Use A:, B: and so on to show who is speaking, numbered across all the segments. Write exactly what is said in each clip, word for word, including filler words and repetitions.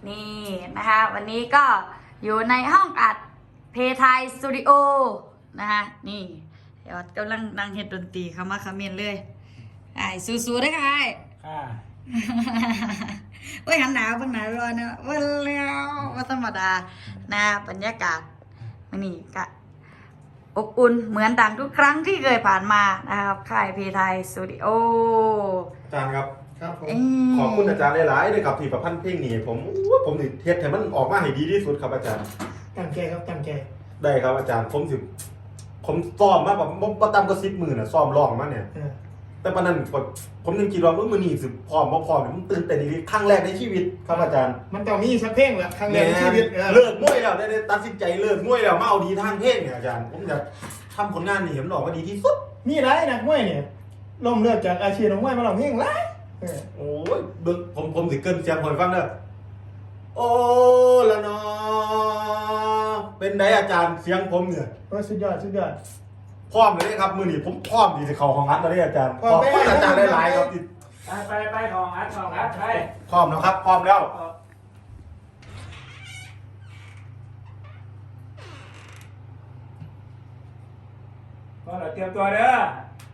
A: นี่นะคะวันนี้ก็อยู่ในห้องอัดเพทายสตูดิโอนะคะนี่เดี๋ยวกำลังนั่งเฮ็ดดนตรีเข้ามาคอมเมนต์เลยไอ้สู้ๆได้ค่ะไอ้
B: ค่ะ
A: โอ้ยหันหนาวเพิ่งหนาวร้อนเนอะวันแล้วว่าธรรมดานะบรรยากาศมันนี่ก็อบอุ่นเหมือนดังทุกครั้งที่เคยผ่านมานะครับค่ายเพทายสตูดิโอ
C: อาจารย์ครับ
B: ครับผม
C: ขอบคุณอาจารย์หลายๆเลยครับที่ประพันธ์เพลงนี้ผมอู้ผมสิเฮ็ดให้มันออกมาให้ดีที่สุดครับอาจารย์
B: ตั้งใจครับตั้งใจ
C: ได้ครับอาจารย์ผมสิผมซ้อมมาแบบบ่บ่ต่ำกว่าสิบหมื่นน่ะซ้อมร้องมาเนี่ย
B: เออ
C: แต่ปานนั้นผมผมยังคิดว่ามื้อนี้สิพร้อมบ่พร้อมเนี่ยมันตื่นเต้นอีหลีครั้งแรกในชีวิตครับอาจารย์
B: มันต้องมีสักเพลงแหละครั้งแรกในชีวิตเออ
C: เลิกมวยแล้วได้ได้ตัดสินใจเลิกมวยแล้วมาเอาดีทางเพลงเนี่ยอาจารย์ผมจะทำผลงานนี่ให้มันออกมาดีที่สุด
B: มีหลายนักมวยเนี่ยล้มเลิกจากอาชีพนักมวยมาลองเพลงหลายเออ
C: โอ้ยเบิ่งผมผมสิเกินเสียงคนฟังเด้อโอ้ละนอเป็นไดอาจารย์เสียงผมเนี่ย
B: โอ้สุดยอดสุดยอด
C: พร้อมเลยครับมื้อนี้ผมพร้อมที่จะเข้าห้องอัดแล้วเด้อาจารย์
B: พร้
C: ข
B: อ
C: อ
B: ม
C: บ
B: ไป
C: คุณอาจารย์หลายๆครับที่
D: ไปไปไปของอัดของอัดไป
C: พร้อมนะครับ พร้อมแล้ว
D: ก็เราเตรียมตัวเด้อ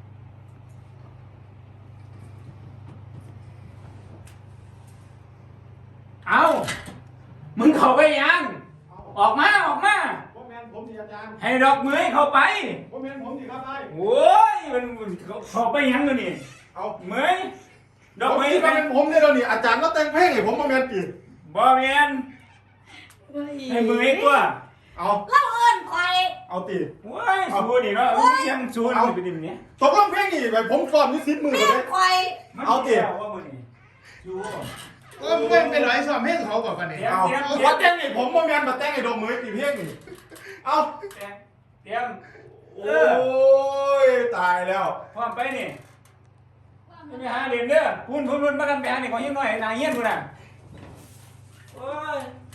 D: เอามึงเข้าไปยัง ออกมาออกมา
C: ผมแม่นผมสิอาจารย์
D: ให้ดอกมือเข้าไป
C: ผมแม่นผมสิครับได้
D: โอ้ยมันมันเข้าไปยังเลยนี่
C: เอา
D: มือดอก
C: ผม
D: มือ
C: คิด
D: ไป
C: ว่าเป็นผมเนี่ยแล้วนี่อาจารย์ก็แต่งเพลงให้ผมบ่แม่นติ
D: บ่เมียนให้มือให้ตัว
C: เอา
A: เล่าเอิญคอย
C: เอาติ
D: โอ้ยสูนี่เนาะยังสูนี่ไปดิมเนี่ย
C: ตกลงเพลงนี่ไปผมซ้อมอยู่สิบมื้อ
A: แม่
C: เลย
A: คอย
C: เอาติ
D: ว่ามือนี่สู
B: เออเพื่อนเป็นร้อยสอบเพลงเขาก่อนกันเนี่ย
C: เอาว่าแต่งนี่ผมบ่แม่นมาแต่งให้ดอกมือติเพลงนี่เอา
D: เตรียมเตรียม
C: โอ้ยตายแล้ว
D: พร้อมไปนี่ไปหาเรียนเด้อพูนพูนพูนมากันไปหานี่ของยิ้มหน่อยนางเงี้ยนพูนน่ะโอ้ย